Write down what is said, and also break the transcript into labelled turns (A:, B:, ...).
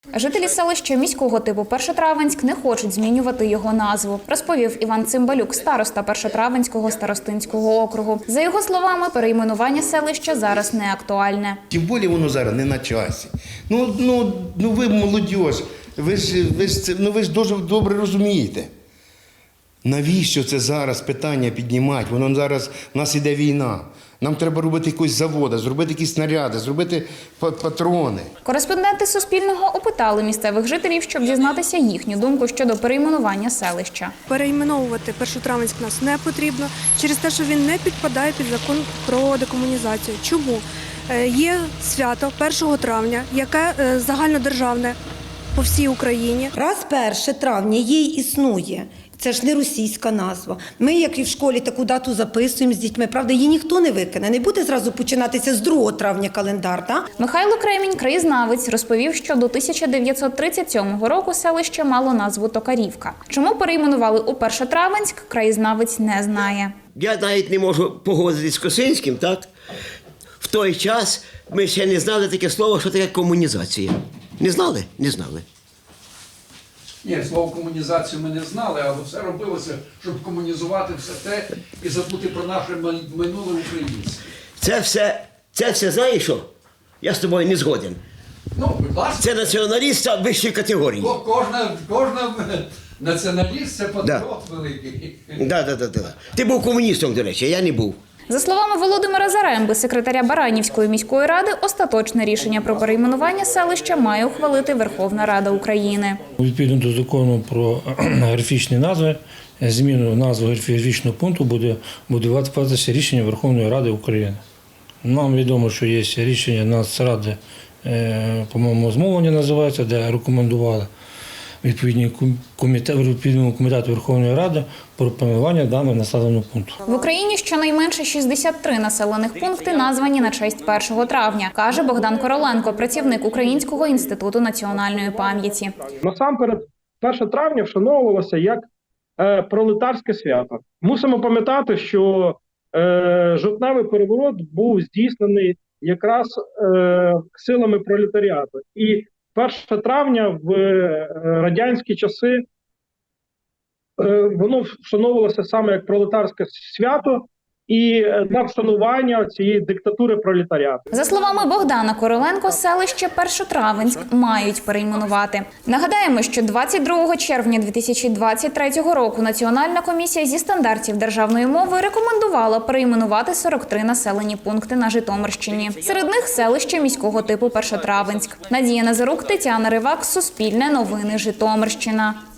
A: Жителі селища міського типу Першотравенськ не хочуть змінювати його назву, розповів Іван Цимбалюк, староста Першотравенського старостинського округу. За його словами, перейменування селища зараз не актуальне.
B: Тим більше воно зараз не на часі. Ну ви молодь, ви ж дуже добре розумієте. Навіщо це зараз питання піднімати? Воно зараз, у нас іде війна. Нам треба робити якісь заводи, зробити якісь снаряди, зробити патрони.
A: Кореспонденти Суспільного опитали місцевих жителів, щоб дізнатися їхню думку щодо перейменування селища.
C: Перейменовувати Першотравенськ нас не потрібно через те, що він не підпадає під закон про декомунізацію. Чому? Є свято 1 травня, яке загальнодержавне по всій Україні.
D: Раз 1 травня їй існує. Це ж не російська назва. Ми, як і в школі, таку дату записуємо з дітьми. Правда, її ніхто не викине. Не буде зразу починатися з 2 травня календар, так?
A: Михайло Кремінь, краєзнавець, розповів, що до 1937 року селище мало назву Токарівка. Чому перейменували у Першотравенськ, краєзнавець не знає.
E: Я навіть не можу погодитись з Косинським, так? В той час ми ще не знали таке слово, що таке комунізація. Не знали? Не знали.
F: Ні, слово комунізацію ми не знали, але все робилося, щоб комунізувати все те і забути про наше минуле українське.
E: Це все, знаєш що? Я з тобою не згоден.
F: Ну, будь ласка.
E: Це націоналіст вищої категорії.
F: Кожна націоналіст – це патріот великий.
E: Да. Ти був комуністом, до речі, а я не був.
A: За словами Володимира Заремби, секретаря Баранівської міської ради, остаточне рішення про перейменування селища має ухвалити Верховна Рада України.
G: Відповідно до закону про географічні назви, зміну назви географічного пункту буде вводитися рішення Верховної Ради України. Нам відомо, що є рішення Нацради, по-моєму, змовлення називається, де рекомендували відповідному комітету Верховної Ради про перейменування даного населеного пункту.
A: В Україні щонайменше 63 населених пункти названі на честь 1 травня, каже Богдан Короленко, працівник Українського інституту національної пам'яті.
H: Насамперед, 1 травня вшановувалося як пролетарське свято. Мусимо пам'ятати, що жовтневий переворот був здійснений якраз силами пролетаріату. І 1 травня в радянські часи воно вшановувалося саме як пролетарське свято і на вшанування цієї диктатури пролетаріату.
A: За словами Богдана Короленко, селище Першотравенськ мають перейменувати. Нагадаємо, що 22 червня 2023 року Національна комісія зі стандартів державної мови рекомендувала перейменувати 43 населені пункти на Житомирщині. Серед них селище міського типу Першотравенськ. Надія Назарук, Тетяна Ривак, Суспільне новини, Житомирщина.